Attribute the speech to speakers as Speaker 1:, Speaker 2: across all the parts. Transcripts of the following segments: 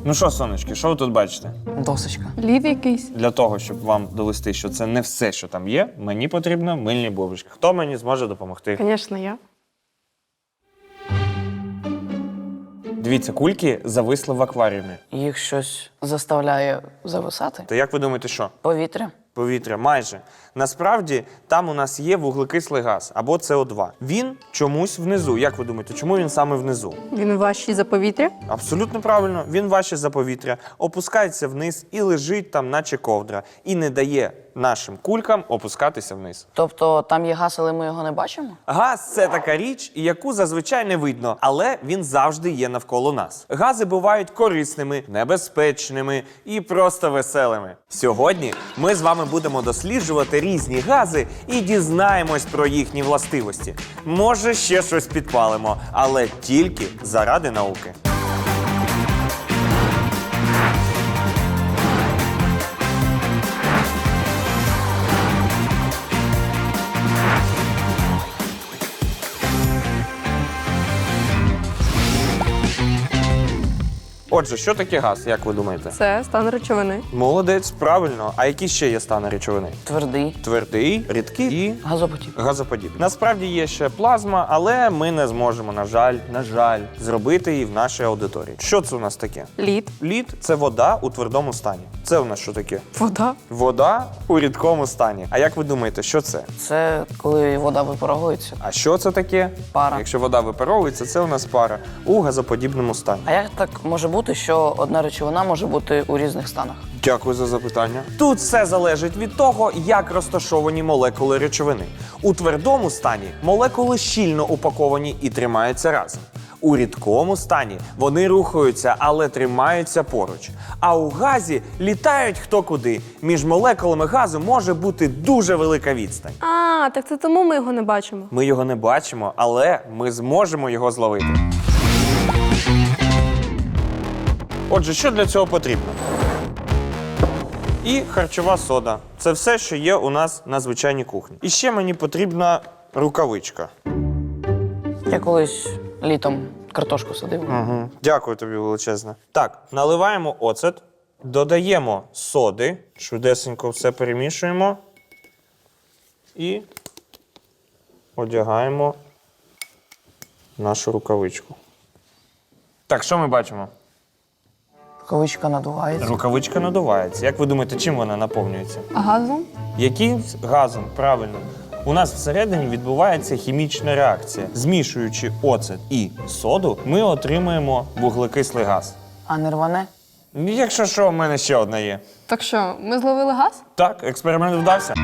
Speaker 1: Ну що, сонечки, що ви тут бачите?
Speaker 2: Досочка.
Speaker 3: Лід якийсь.
Speaker 1: Для того, щоб вам довести, що це не все, що там є, мені потрібно мильні бульбашки. Хто мені зможе допомогти?
Speaker 3: Звісно, я.
Speaker 1: Дивіться, кульки зависли в акваріумі.
Speaker 2: Їх щось заставляє зависати.
Speaker 1: То як ви думаєте, що?
Speaker 2: Повітря.
Speaker 1: Повітря, майже. Насправді, там у нас є вуглекислий газ, або СО2. Він чомусь внизу. Як ви думаєте, чому він саме внизу?
Speaker 3: Він важчий за повітря.
Speaker 1: Абсолютно правильно. Він важче за повітря, опускається вниз і лежить там, наче ковдра. І не дає нашим кулькам опускатися вниз.
Speaker 2: Тобто там є газ, але ми його не бачимо?
Speaker 1: Газ – це така річ, яку зазвичай не видно, але він завжди є навколо нас. Гази бувають корисними, небезпечними і просто веселими. Сьогодні ми з вами будемо досліджувати різні гази і дізнаємось про їхні властивості. Може, ще щось підпалимо, але тільки заради науки. Отже, що таке газ, як ви думаєте?
Speaker 3: Це стан речовини.
Speaker 1: Молодець, правильно. А які ще є стани речовини?
Speaker 2: Твердий.
Speaker 1: Твердий, рідкий і
Speaker 2: Газопотік.
Speaker 1: газоподібний. Насправді є ще плазма, але ми не зможемо, на жаль, зробити її в нашій аудиторії. Що це у нас таке?
Speaker 3: Лід.
Speaker 1: Лід – це вода у твердому стані. Це у нас що таке?
Speaker 3: Вода.
Speaker 1: Вода у рідкому стані. А як ви думаєте, що це?
Speaker 2: Це коли вода випаровується.
Speaker 1: А що це таке?
Speaker 2: Пара.
Speaker 1: Якщо вода випаровується, це у нас пара у газоподібному стані.
Speaker 2: А як так може бути, що одна речовина може бути у різних станах?
Speaker 1: Дякую за запитання. Тут все залежить від того, як розташовані молекули речовини. У твердому стані молекули щільно упаковані і тримаються разом. У рідкому стані вони рухаються, але тримаються поруч. А у газі літають хто куди. Між молекулами газу може бути дуже велика відстань.
Speaker 3: А, так це тому ми його не бачимо.
Speaker 1: Ми його не бачимо, але ми зможемо його зловити. Отже, що для цього потрібно? І харчова сода. Це все, що є у нас на звичайній кухні. І ще мені потрібна рукавичка.
Speaker 2: Я колись літом картошку садив.
Speaker 1: Угу. Дякую тобі величезне. Так, наливаємо оцет, додаємо соди, швидесенько все перемішуємо і одягаємо нашу рукавичку. Так, що ми бачимо?
Speaker 2: Рукавичка надувається.
Speaker 1: Рукавичка надувається. Як ви думаєте, чим вона наповнюється?
Speaker 3: Газом?
Speaker 1: Яким газом? Правильно. У нас всередині відбувається хімічна реакція. Змішуючи оцет і соду, ми отримаємо вуглекислий газ.
Speaker 2: А не рване?
Speaker 1: Якщо що, в мене ще одна є.
Speaker 3: Так що, ми зловили газ?
Speaker 1: Так, експеримент вдався.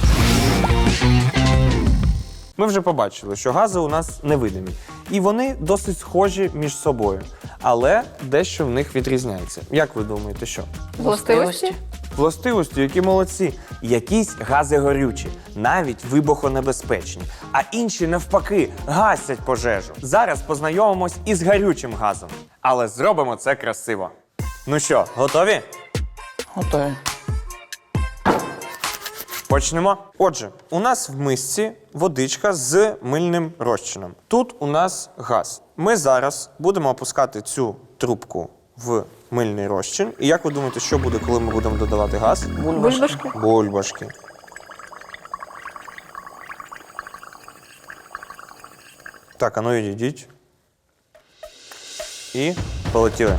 Speaker 1: Ми вже побачили, що гази у нас невидимі. І вони досить схожі між собою. Але дещо в них відрізняється. Як ви думаєте, що?
Speaker 3: Властивості?
Speaker 1: Властивості, які молодці. Якісь гази горючі, навіть вибухонебезпечні, а інші, навпаки, гасять пожежу. Зараз познайомимось із гарючим газом. Але зробимо це красиво. Ну що, готові?
Speaker 2: Готові.
Speaker 1: Почнемо. Отже, у нас в мисці водичка з мильним розчином. Тут у нас газ. Ми зараз будемо опускати цю трубку в мильний розчин. І як ви думаєте, що буде, коли ми будемо додавати газ?
Speaker 3: Бульбашки.
Speaker 1: Бульбашки. Так, а ну відійдіть. І полетіли.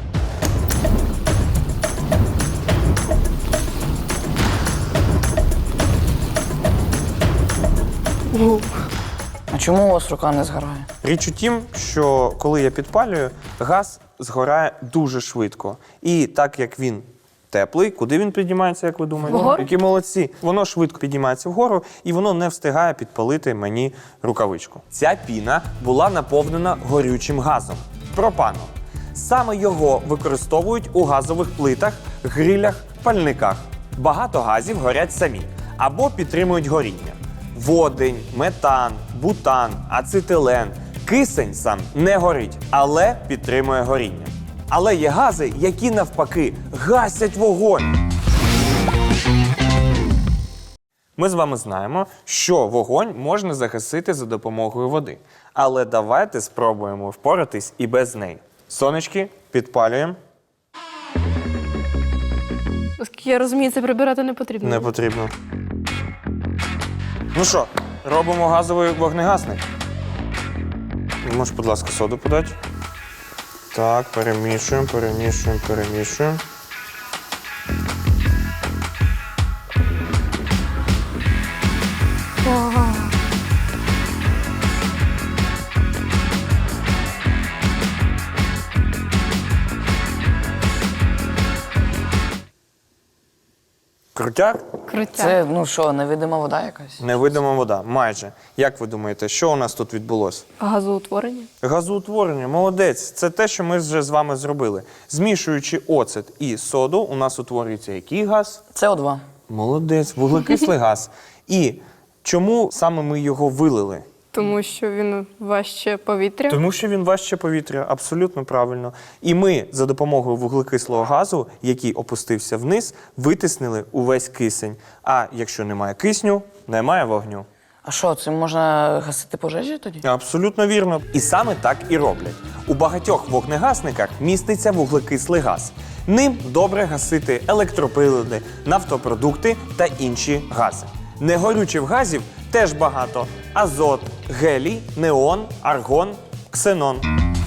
Speaker 2: А чому у вас рука не згорає?
Speaker 1: Річ у тім, що коли я підпалюю, газ згорає дуже швидко. І так як він теплий, куди він піднімається, як ви думаєте?
Speaker 3: Вгору?
Speaker 1: Які молодці. Воно швидко піднімається вгору, і воно не встигає підпалити мені рукавичку. Ця піна була наповнена горючим газом – пропаном. Саме його використовують у газових плитах, грилях, пальниках. Багато газів горять самі або підтримують горіння. Водень, метан, бутан, ацетилен. Кисень сам не горить, але підтримує горіння. Але є гази, які навпаки гасять вогонь. Ми з вами знаємо, що вогонь можна загасити за допомогою води. Але давайте спробуємо впоратись і без неї. Сонечки, підпалюємо.
Speaker 3: Оскільки я розумію, це прибирати не потрібно.
Speaker 1: Не потрібно. Ну що, робимо газовий вогнегасник. Можеш, будь ласка, соду подати. Так, перемішуємо, перемішуємо, перемішуємо. Крутяк?
Speaker 3: Крутяк.
Speaker 2: Це, ну що, невидима вода якась?
Speaker 1: Невидима вода. Майже. Як ви думаєте, що у нас тут відбулося?
Speaker 3: Газоутворення.
Speaker 1: Газоутворення, молодець. Це те, що ми вже з вами зробили. Змішуючи оцет і соду, у нас утворюється який газ?
Speaker 2: СО2.
Speaker 1: Молодець, вуглекислий газ. І чому саме ми його вилили?
Speaker 3: Тому що він важче повітря.
Speaker 1: Тому що він важче повітря, абсолютно правильно. І ми за допомогою вуглекислого газу, який опустився вниз, витиснили увесь кисень. А якщо немає кисню, немає вогню.
Speaker 2: А що, цим можна гасити пожежі тоді?
Speaker 1: Абсолютно вірно. І саме так і роблять. У багатьох вогнегасниках міститься вуглекислий газ. Ним добре гасити електроприлади, нафтопродукти та інші гази. Негорючих газів теж багато: азот, гелій, неон, аргон, ксенон.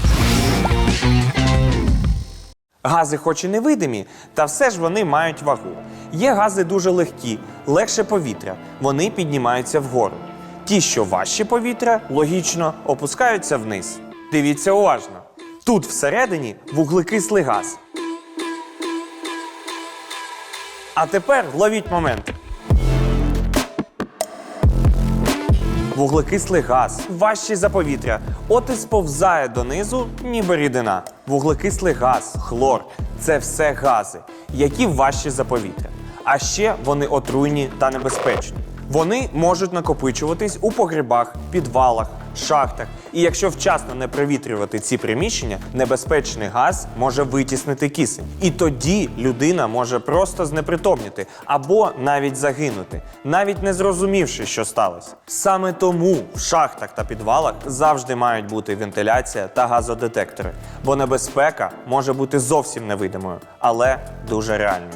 Speaker 1: Гази хоч і невидимі, та все ж вони мають вагу. Є гази дуже легкі, легше повітря, вони піднімаються вгору. Ті, що важчі повітря, логічно, опускаються вниз. Дивіться уважно. Тут всередині вуглекислий газ. А тепер ловіть момент. Вуглекислий газ важчий за повітря, от і сповзає донизу, ніби рідина. Вуглекислий газ, хлор – це все гази, які важчі за повітря. А ще вони отруйні та небезпечні. Вони можуть накопичуватись у погребах, підвалах, шахтах. І якщо вчасно не провітрювати ці приміщення, небезпечний газ може витіснити кисень. І тоді людина може просто знепритомніти або навіть загинути, навіть не зрозумівши, що сталося. Саме тому в шахтах та підвалах завжди мають бути вентиляція та газодетектори, бо небезпека може бути зовсім невидимою, але дуже реальною.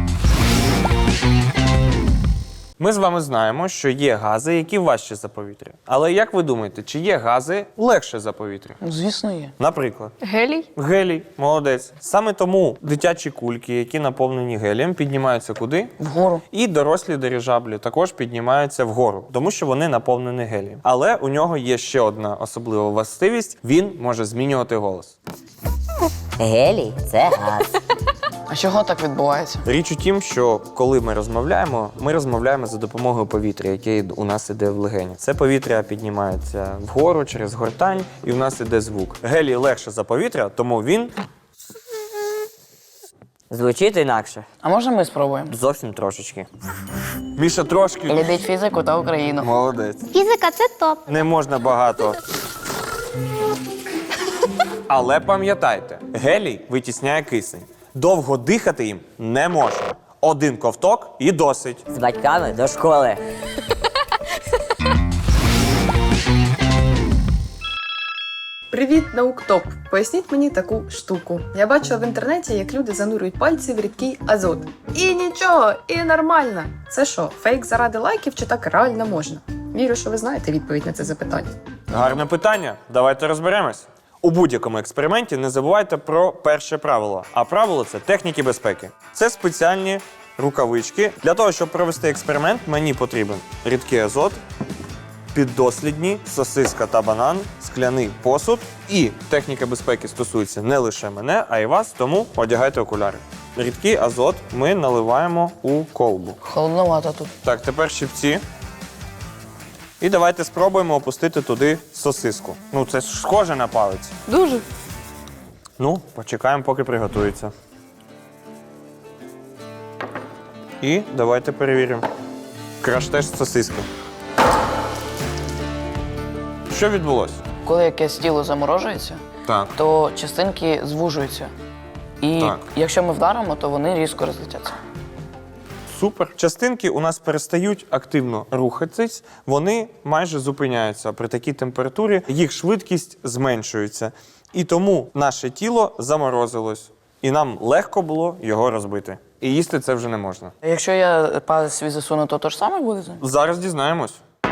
Speaker 1: Ми з вами знаємо, що є гази, які важчі за повітря. Але як ви думаєте, чи є гази легше за повітря?
Speaker 2: Ну, звісно, є.
Speaker 1: Наприклад,
Speaker 3: Гелій.
Speaker 1: гелій, молодець. Саме тому дитячі кульки, які наповнені гелієм, піднімаються куди?
Speaker 2: Вгору.
Speaker 1: І дорослі дирижаблі також піднімаються вгору, тому що вони наповнені гелієм. Але у нього є ще одна особлива властивість – він може змінювати голос.
Speaker 4: Гелій – це газ.
Speaker 2: А чого так відбувається?
Speaker 1: Річ у тім, що коли ми розмовляємо за допомогою повітря, яке у нас іде в легені. Це повітря піднімається вгору через гортань, і у нас іде звук. Гелій легше за повітря, тому він
Speaker 4: Звучить інакше.
Speaker 2: А можна ми спробуємо?
Speaker 4: Зовсім трошечки.
Speaker 1: Міша трошки.
Speaker 2: Любіть фізику та Україну.
Speaker 1: Молодець.
Speaker 3: Фізика це топ.
Speaker 1: Не можна багато. Але пам'ятайте, гелій витісняє кисень. Довго дихати їм не можна. Один ковток і досить.
Speaker 4: З батьками до школи.
Speaker 5: Привіт, науктоп! Поясніть мені таку штуку. Я бачила в інтернеті, як люди занурюють пальці в рідкий азот. І нічого, і нормально. Це що, фейк заради лайків чи так реально можна? Вірю, що ви знаєте відповідь на це запитання.
Speaker 1: Гарне питання. Давайте розберемось. У будь-якому експерименті не забувайте про перше правило. А правило – це техніки безпеки. Це спеціальні рукавички. Для того, щоб провести експеримент, мені потрібен рідкий азот, піддослідні, сосиска та банан, скляний посуд. І техніка безпеки стосується не лише мене, а й вас, тому одягайте окуляри. Рідкий азот ми наливаємо у колбу.
Speaker 2: Холодновато тут.
Speaker 1: Так, тепер щипці. І давайте спробуємо опустити туди сосиску. Ну, це ж схоже на палець.
Speaker 3: Дуже.
Speaker 1: Ну, почекаємо, поки приготується. І давайте перевіримо. Краш-тест сосиски. Що відбулося?
Speaker 2: Коли якесь тіло заморожується,
Speaker 1: Так.
Speaker 2: то частинки звужуються. І
Speaker 1: Так.
Speaker 2: якщо ми вдаримо, то вони різко розлетяться.
Speaker 1: Супер. Частинки у нас перестають активно рухатись, вони майже зупиняються при такій температурі, їх швидкість зменшується. І тому наше тіло заморозилось, і нам легко було його розбити. і їсти це вже не можна.
Speaker 2: Якщо я палець свій засуну, то ж саме буде?
Speaker 1: Зараз дізнаємось.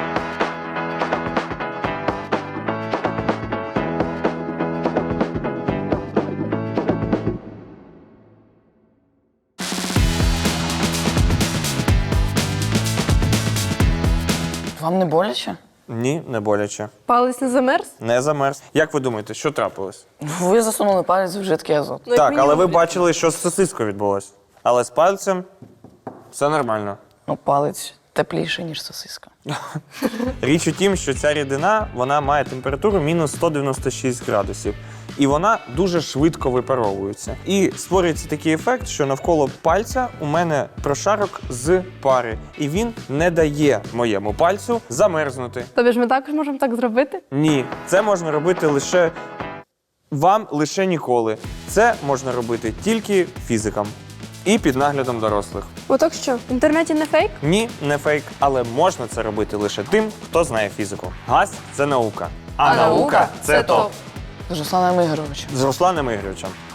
Speaker 2: Вам не боляче?
Speaker 1: Ні, не боляче.
Speaker 3: Палець не замерз?
Speaker 1: Не замерз. Як ви думаєте, що трапилось?
Speaker 2: Ви засунули палець в жидкий азот.
Speaker 3: Ну, як
Speaker 1: Так, але
Speaker 3: мінімум,
Speaker 1: ви бачили, що з сосискою відбулось. Але з пальцем все нормально.
Speaker 2: Ну, палець тепліший, ніж сосиска.
Speaker 1: Річ у тім, що ця рідина вона має температуру мінус 196 градусів. І вона дуже швидко випаровується. І створюється такий ефект, що навколо пальця у мене прошарок з пари. І він не дає моєму пальцю замерзнути.
Speaker 3: Тобі ж ми також можемо так зробити?
Speaker 1: Ні, це можна робити лише вам, лише ніколи. Це можна робити тільки фізикам. І під наглядом дорослих.
Speaker 3: Отак що, в інтернеті не фейк?
Speaker 1: Ні, не фейк, але можна це робити лише тим, хто знає фізику. Газ – це наука. А наука – це топ.
Speaker 2: З Русланом Ігоровичем.
Speaker 1: З Русланом Ігоровичем.